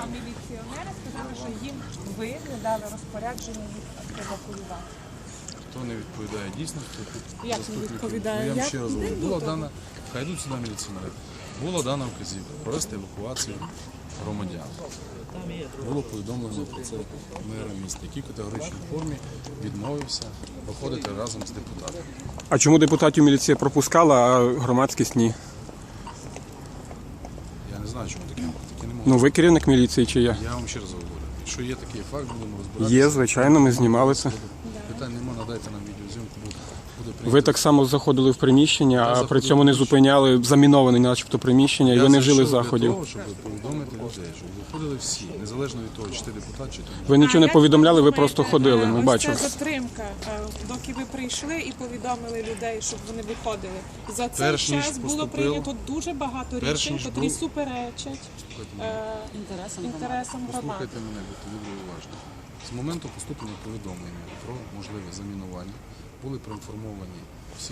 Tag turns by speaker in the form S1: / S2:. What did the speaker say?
S1: міліціонери сказали, що їм ви не дали розпорядження їх евакуювати.
S2: Хто не відповідає дійсності,
S1: Як не відповідає?
S2: я вам ще раз говорю, була дана, хай йдуть сюди міліціонери, була дана вказівка провести евакуацію громадян. Було повідомлено про це мера міста, який в категоричній формі відмовився проходити разом з депутатами.
S3: А чому депутатів міліція пропускала, а громадськість ні?
S2: Я не знаю, чому таке не можу.
S3: Ну ви керівник міліції чи я?
S2: Я вам ще раз говорю, якщо є такий факт, будемо розбиратися.
S3: Є, звичайно, ми знімали це.
S2: Питань нема, надайте нам відеозйомку, буде
S3: Ви
S2: прийнято.
S3: так само заходили в приміщення, а при цьому не зупиняли заміноване начебто приміщення, і ви не вжили заходів.
S2: Для того, щоб повідомити людей, щоб виходили всі, незалежно від того, чи ти депутат, чи ти не.
S3: Ви нічого не повідомляли, ви просто ходили, ми бачили.
S1: Ось це затримка, доки ви прийшли і повідомили людей, щоб вони виходили. За цей
S2: Перш ніж
S1: час було
S2: поступив-
S1: прийнято дуже багато рішень,
S2: ніж
S1: які
S2: був-
S1: суперечать інтересам громади.
S2: Послухайте мене, будьте дуже уважні. З моменту поступлення повідомлення про можливе замінування були проінформовані всі